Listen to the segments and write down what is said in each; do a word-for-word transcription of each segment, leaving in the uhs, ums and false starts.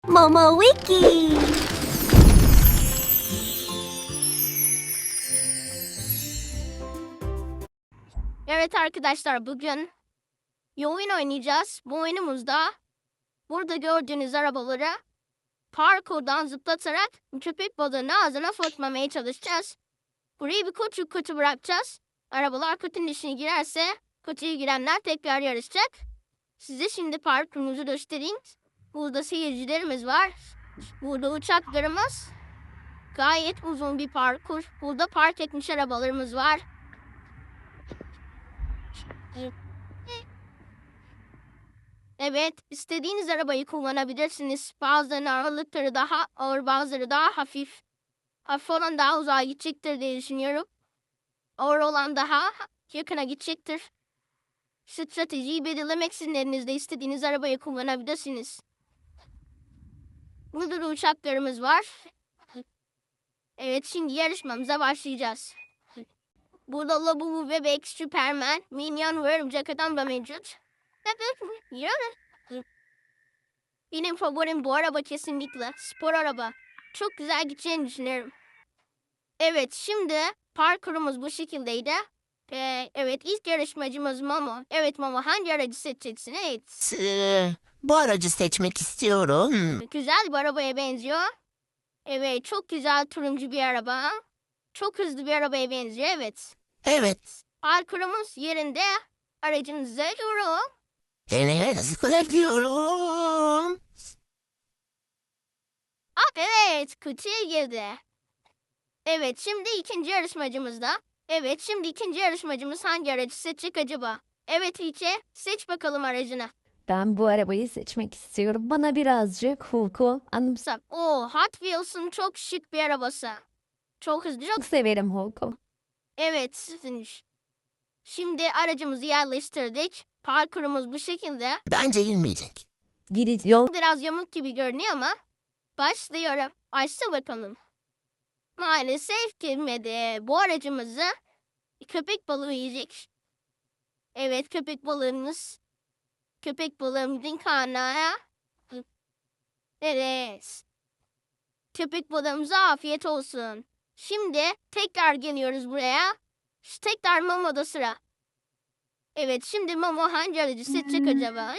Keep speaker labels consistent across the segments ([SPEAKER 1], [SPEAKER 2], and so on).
[SPEAKER 1] Momo Wiki.
[SPEAKER 2] Evet arkadaşlar, bugün bir oyun oynayacağız. Bu oyunumuzda burada gördüğünüz arabaları parkurdan zıplatarak köpek balığını ağzına fırlatmamaya çalışacağız. Burayı bir küçük kutu bırakacağız. Arabalar kutunun içine girerse kutuya girenler tekrar yarışacak. Size şimdi parkurumuzu göstereyim. Burada seyircilerimiz var. Burada uçaklarımız. Gayet uzun bir parkur. Burada park etmiş arabalarımız var. Evet, istediğiniz arabayı kullanabilirsiniz. Bazılarının ağırlıkları daha ağır, bazıları daha hafif. Hafif olan daha uzağa gidecektir diye düşünüyorum. Ağır olan daha yakına gidecektir. Stratejiyi belirlemek sizin elinizde, istediğiniz arabayı kullanabilirsiniz. Burada da uçaklarımız var. Evet, şimdi yarışmamıza başlayacağız. Burada Labubu, Bebek, Superman, Minyon ve Örümcek Adam da mevcut. Benim favorim bu araba kesinlikle. Spor araba. Çok güzel gideceğini düşünüyorum. Evet, şimdi parkurumuz bu şekildeydi. Ee, evet, ilk yarışmacımız Momo. Evet Momo, hangi aracı seçeceksin? Evet.
[SPEAKER 3] Ee, bu aracı seçmek istiyorum.
[SPEAKER 2] Güzel bir arabaya benziyor. Evet, çok güzel turuncu bir araba. Çok hızlı bir arabaya benziyor, evet.
[SPEAKER 3] Evet.
[SPEAKER 2] Parkurumuz yerinde. Aracınıza yorum.
[SPEAKER 3] Seni sıkılabiliyorum.
[SPEAKER 2] Ah, evet, kutuya girdi. Evet, şimdi ikinci yarışmacımız da. Evet, şimdi ikinci yarışmacımız hangi aracı seçecek acaba? Evet İlçe, seç bakalım aracını.
[SPEAKER 1] Ben bu arabayı seçmek istiyorum. Bana birazcık Hulk'u anımsa.
[SPEAKER 2] Sa- Oo, Hot Wheels'ın çok şık bir arabası. Çok hızlı, çok...
[SPEAKER 1] Çok severim Hulk'u.
[SPEAKER 2] Evet, sizin- şimdi aracımızı yerleştirdik. Parkurumuz bu şekilde.
[SPEAKER 3] Bence girmeyecek.
[SPEAKER 1] Giriş yol
[SPEAKER 2] Biraz yamuk gibi görünüyor ama başlıyorum. Başla bakalım. Maalesef girmedi. Bu aracımızı köpek balığı yiyecek. Evet, köpek balığımız. Köpek balığımızın karnına. Evet. Köpek balığımıza afiyet olsun. Şimdi tekrar geliyoruz buraya. Şu tekrar Momo'da sıra. Evet, şimdi Momo hangi aracı seçecek acaba?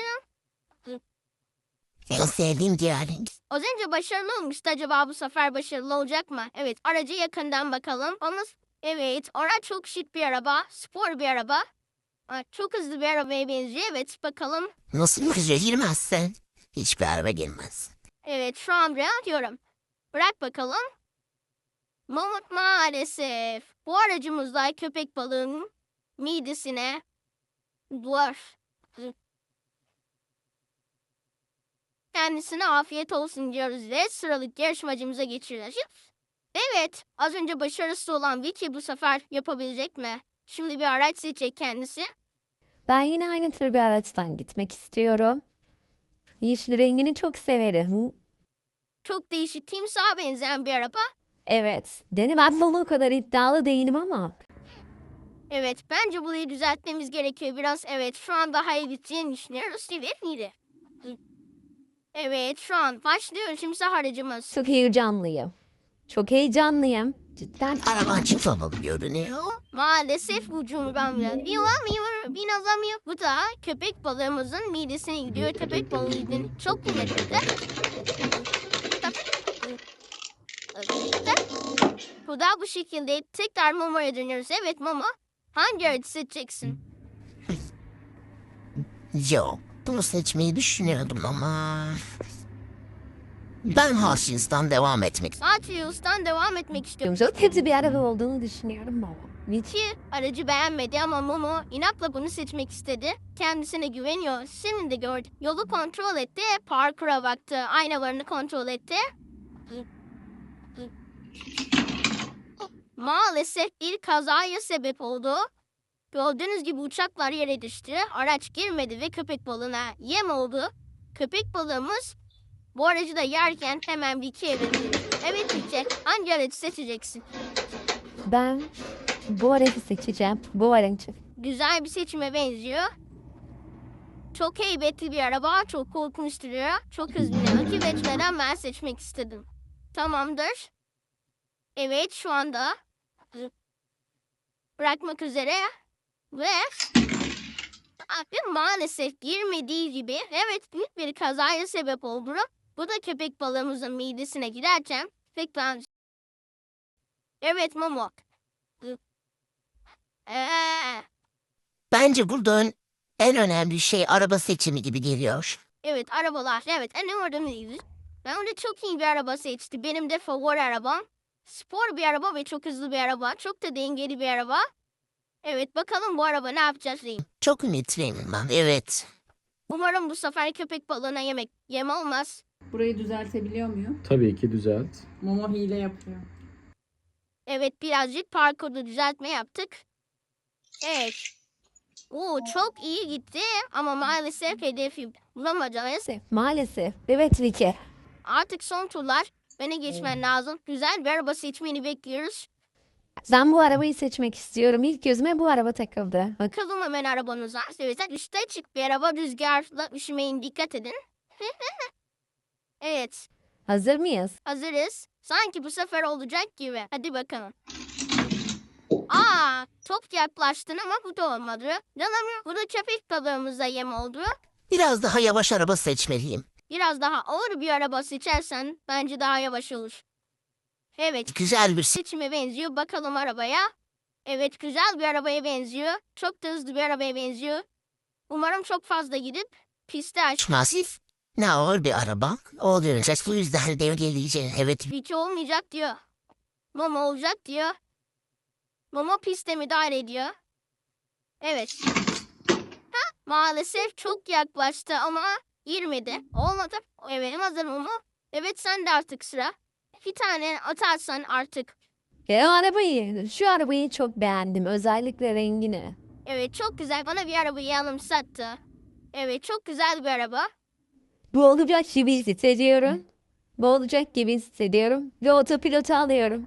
[SPEAKER 3] En sevdiğim diğer.
[SPEAKER 2] Az önce başarılı olmuştu. Acaba bu sefer başarılı olacak mı? Evet, aracı yakından bakalım. Ama evet, araç çok şık bir araba. Spor bir araba. Aa, çok hızlı bir arabaya benziyor. Evet, bakalım.
[SPEAKER 3] Nasıl bir şey girmezsen hiçbir araba girmez.
[SPEAKER 2] Evet, şu an buraya atıyorum. Bırak bakalım. Mamut maalesef. Bu aracımızda köpek balığının midesine duvar. Kendisine afiyet olsun diyoruz ve sıralık yarışmacımıza geçiyoruz. Evet, az önce başarısız olan Vicky bu sefer yapabilecek mi? Şimdi bir araç seçecek kendisi.
[SPEAKER 1] Ben yine aynı tür bir araçtan gitmek istiyorum. Yeşil rengini çok severim.
[SPEAKER 2] Çok değişik, timsaha benzeyen bir araba.
[SPEAKER 1] Evet. Deni ben bana o kadar iddialı değilim ama.
[SPEAKER 2] Evet, bence burayı düzeltmemiz gerekiyor biraz. Evet, şu an daha iyi gideceğini düşünüyoruz. Evet, miydi? Evet, şu an başlıyor timsah aracımız.
[SPEAKER 1] Çok heyecanlıyım. Çok heyecanlıyım. Cidden.
[SPEAKER 3] Araban çıkmamalı görünüyor.
[SPEAKER 2] Maalesef ucunu ben biraz bilamıyorum, binazamıyor. Bu da köpek balığımızın midesine gidiyor. Köpek balığının çok kıymetli. Bu da bu şekilde tekrar Momo'ya dönüyoruz. Evet Momo, hangi aracı seçeceksin?
[SPEAKER 3] Yok. Bunu seçmeyi düşünüyordum ama... Ben Hutchins'tan devam etmek.
[SPEAKER 2] Hot Wheels'tan devam etmek istiyorum.
[SPEAKER 1] Çok kötü bir araba olduğunu düşünüyorum ama. Hiç
[SPEAKER 2] Ki aracı beğenmedi ama Momo inatla bunu seçmek istedi. Kendisine güveniyor. Şimdi de gördü. Yolu kontrol etti. Parkura baktı. Aynalarını kontrol etti. Maalesef bir kazaya sebep oldu. Gördüğünüz gibi uçaklar yere düştü. Araç girmedi ve köpek balığına yem oldu. Köpek balığımız bu aracı da yerken hemen bir iki evrildi. Evet Yüce, hangi aracı seçeceksin?
[SPEAKER 1] ben bu aracı seçeceğim. Bu aracı.
[SPEAKER 2] Güzel bir seçime benziyor. Çok heybetli bir araba, çok korkunç duruyor. Çok hızlı bir rakip etmeden ben seçmek istedim. Tamamdır. Evet, şu anda bırakmak üzere ve abi maalesef girmediği gibi evet büyük bir kazaya sebep oldu. Bu da köpek balığımızın midesine giderken pek ben... Evet Momo. Ee,
[SPEAKER 3] Bence burada en önemli şey araba seçimi gibi geliyor.
[SPEAKER 2] evet arabalar. Evet en önemliydi. Ben de çok iyi bir araba seçti. Benim de favori arabam. Spor bir araba ve çok hızlı bir araba. Çok da dengeli bir araba. Evet bakalım bu araba ne yapacağız diyeyim.
[SPEAKER 3] Çok ümitliyim ben. Evet.
[SPEAKER 2] Umarım bu sefer köpek balığına yemek yem olmaz.
[SPEAKER 4] Burayı düzeltebiliyor muyum?
[SPEAKER 5] Tabii ki düzelt.
[SPEAKER 4] Momo hile yapıyor.
[SPEAKER 2] Evet birazcık parkurda düzeltme yaptık. Evet. Oo çok iyi gitti ama maalesef hedefi bulamayacağız.
[SPEAKER 1] Maalesef. Maalesef. Evet Vicky.
[SPEAKER 2] Artık son turlar. Beni geçmen lazım. Güzel bir araba seçmeni bekliyoruz.
[SPEAKER 1] Ben bu arabayı seçmek istiyorum. İlk gözüme bu araba takıldı. Bak,
[SPEAKER 2] Bakalım hemen arabanıza. Evet üstte açık bir araba. Rüzgarla üşümeyin dikkat edin. Evet
[SPEAKER 1] hazır mıyız?
[SPEAKER 2] hazırız. Sanki bu sefer olacak gibi. Hadi bakalım. Aa çok yaklaştın ama bu da olmadı. Canım bu da köpek balığımıza yem oldu.
[SPEAKER 3] Biraz daha yavaş araba seçmeliyim.
[SPEAKER 2] Biraz daha ağır bir araba seçersen bence daha yavaş olur. Evet
[SPEAKER 3] Güzel bir
[SPEAKER 2] seçime benziyor. Bakalım arabaya. Evet güzel bir arabaya benziyor. Çok da hızlı bir arabaya benziyor. Umarım çok fazla gidip pisti aç.
[SPEAKER 3] masif. Ne ağır bir araba. Olacak. Bu yüzden dengeleyeceğim. Evet.
[SPEAKER 2] Hiç olmayacak diyor. Momo olacak diyor. Momo piste müdahale ediyor. Evet. Ha, maalesef çok yaklaştı ama girmedi. Olmadı. Evet hazır Momo. Evet sen de artık sıra. Bir tane atarsan artık.
[SPEAKER 1] Ya, o arabayı, şu arabayı çok beğendim. Özellikle rengini.
[SPEAKER 2] Evet çok güzel. Bana bir arabayı anımsattı. Evet çok güzel bir araba.
[SPEAKER 1] Bu olacak gibi hissediyorum. Bu olacak gibi hissediyorum. Ve otopilotu alıyorum.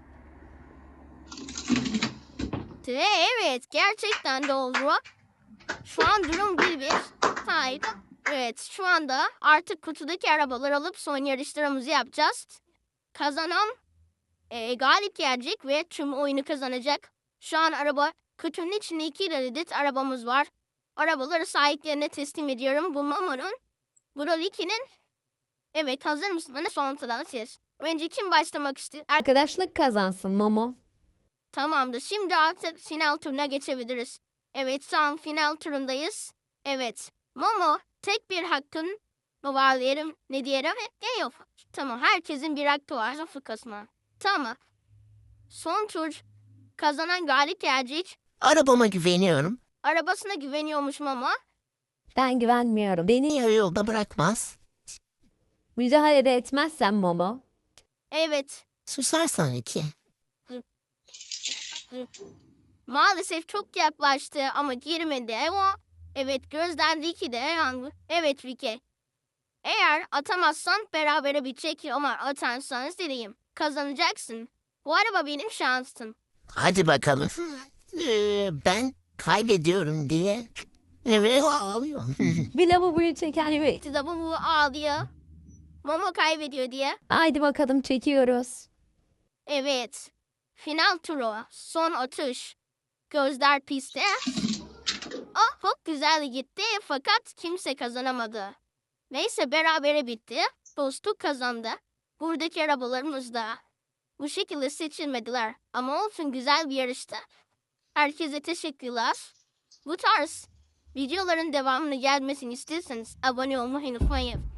[SPEAKER 2] Ve evet gerçekten de oldu. Şu an durum bir bir. Hayır. Evet şu anda artık kutudaki arabaları alıp son yarışlarımızı yapacağız. Kazanan e, galip gelecek ve tüm oyunu kazanacak. Şu an araba kutunun içinde iki adet arabamız var. Arabaları sahiplerine teslim ediyorum. Bu Mamo'nun. Bu da Ricky'nin. Evet hazır mısınız? Son sıradan siz. Önce kim başlamak istiyor? Er-
[SPEAKER 1] Arkadaşlık kazansın Momo.
[SPEAKER 2] Tamamdır. Şimdi artık final turuna geçebiliriz. Evet şu an final turundayız. Evet. Momo tek bir hakkın mı var diyelim. Ne diyelim? Ne yok. Tamam herkesin bir hakkı var. Sıfır kasma. Tamam. Son tur kazanan galip gelecek.
[SPEAKER 3] Arabama güveniyorum.
[SPEAKER 2] Arabasına güveniyormuş Momo.
[SPEAKER 1] Ben güvenmiyorum. Beni
[SPEAKER 3] Niye yolda bırakmaz?
[SPEAKER 1] müdahale etmezsen Momo.
[SPEAKER 2] Evet.
[SPEAKER 3] Susarsan iki.
[SPEAKER 2] Maalesef çok yaklaştı ama girmedi ama evet gözden Ricky de yandı. Evet Ricky. Eğer atamazsan berabere bitecek ama atarsanız diyeyim kazanacaksın. Bu araba benim şansım.
[SPEAKER 3] Hadi bakalım. Ee, ben kaybediyorum diye. Evet ağlıyorum.
[SPEAKER 1] Bir lavaboyu çeken bir.
[SPEAKER 2] Size bu bu ağlıyor. Momo kaybediyor diye.
[SPEAKER 1] Haydi bakalım çekiyoruz.
[SPEAKER 2] Evet. Final turu. Son atış. Gözler pistte. Ah çok güzel gitti fakat kimse kazanamadı. Neyse berabere bitti. Dostluk kazandı. Buradaki arabalarımız da bu şekilde seçilmediler. Ama olsun güzel bir yarıştı. Herkese teşekkürler. Bu tarz videoların devamını gelmesini istiyorsanız abone olmayı unutmayın.